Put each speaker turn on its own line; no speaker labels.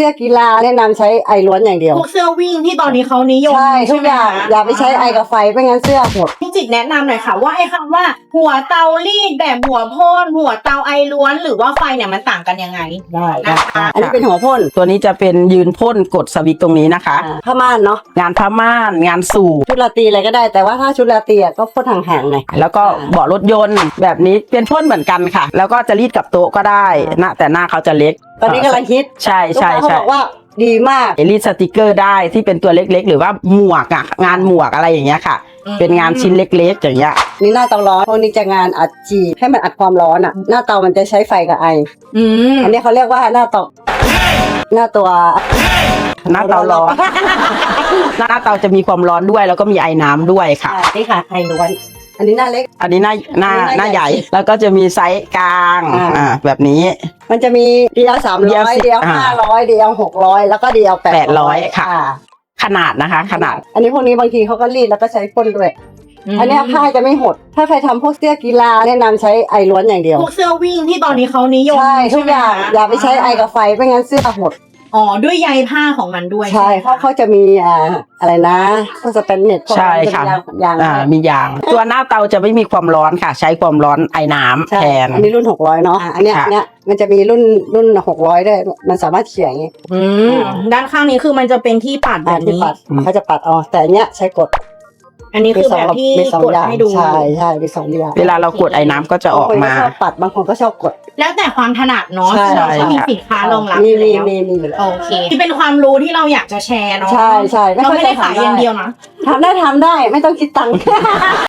สื้อกีฬาแนะนำใช้ไอล้วนอย่างเดียว
พวกเสื้อวิ่งที่ตอนนี้เขานิยม
ใช่ทุกอย่างอย่าไปใช้ไอกับไฟไม่งั้นเสื้อหมด
พี่จิตแนะนำหน่อยค่ะว่าไอ้คำว่าหัวเตารีดแบบหัวพ่นหัวเตาไอล้วนหรือว่าไฟเนี่ยมันต่างกันยังไง
ได้
นะคะ
อันนี้เป็นหัวพ่น
ตัวนี้จะเป็นยืนพ่นกดสวิตช์ตรงนี้นะคะ
ผ้าม่านเนาะ
งานผ้าม่านงานสูบ
ชุดราตรีอะไรก็ได้แต่ว่าถ้าชุดราตรีก็พ่นห่างๆหน่อย
แล้วก็เบาะรถยนต์แบบนี้เป็นพ่นเหมือนกันค่ะแล้วก็จะรีดกับโต๊ะก็ได้นะแต่หน้าเขาจะเล็ก
ตอนนี้กำลังฮิต
ใช่ใช่
เขาบอกว่าดีมาก
รีดสติกเกอร์ได้ที่เป็นตัวเล็กๆหรือว่าหมวกอะงานหมวกอะไรอย่างเงี้ยค่ะเป็นงานชิ้นเล็กๆอย่างเงี้ย
นี่หน้าเตาร้อนพวกนี้จะงานอัดจีให้มันอัดความร้อนอ่ะหน้าเตามันจะใช้ไฟกับไออันนี้เขาเรียกว่าหน้าเตาหน้าตัว
หน้าเตาร้อนหน้าเตาจะมีความร้อนด้วยแล้วก็มีไอน้ำด้วยค่ะ
นี่ค่ะไอล้วนอันนี้หน้าเล็ก
อันนี้หน้าใหญ่แล้วก็จะมีไซส์กลางแบบนี้
มันจะมีเดียว300เดียว500เดียว600แล้วก็เดียว
800ค่ะขนาดนะคะขนาด
อันนี้พวกนี้บางทีเขาก็รีดแล้วก็ใช้พ่นด้วยอันนี้ผ้าจะไม่หดถ้าใครทำพวกเสื้อกีฬาแนะนำใช้ไอล้วนอย่างเดียว
พวกเสื้อวิ่งที่ตอนนี้เขานิยม
ใช่ทุกอย่างอย่าไปใช้ไอกับไฟไม่งั้นเสื้อหด
ด้วยใยผ้าของมันด้วย
ใช่เขาจะมีอะไรนะพวกสเปนเน็ต
ใช่ค่ะมียางตัวหน้าเตาจะไม่มีความร้อนค่ะใช้ความร้อนไอน้ำแทน
อันนี้รุ่น600เนาะอันเนี้ยมันจะมีรุ่น600ด้วยมันสามารถเขียนอย่างงี้
ด้านข้างนี้คือมันจะเป็นที่ปัดแบบนี้
เขาจะปัดแต่อันเนี้ยใช้กด
อันนี้คือแบบที่กดให้ดู
ใช่มี2อย่าง
เวลาเรากดไอ้น้ำก็จะออกมา
ชอบปัดบางคนก็ชอบกด
แล้วแต่ความถนัดเนาะเราก็มีสินค้ารองรับ
มี
โอเคที่เป็นความรู้ที่เราอยากจะแชร์เนาะ
ใช่
เราไม่ได้ขายอย่างเดียวนะ
ทำได้ไม่ต้องคิดตังค์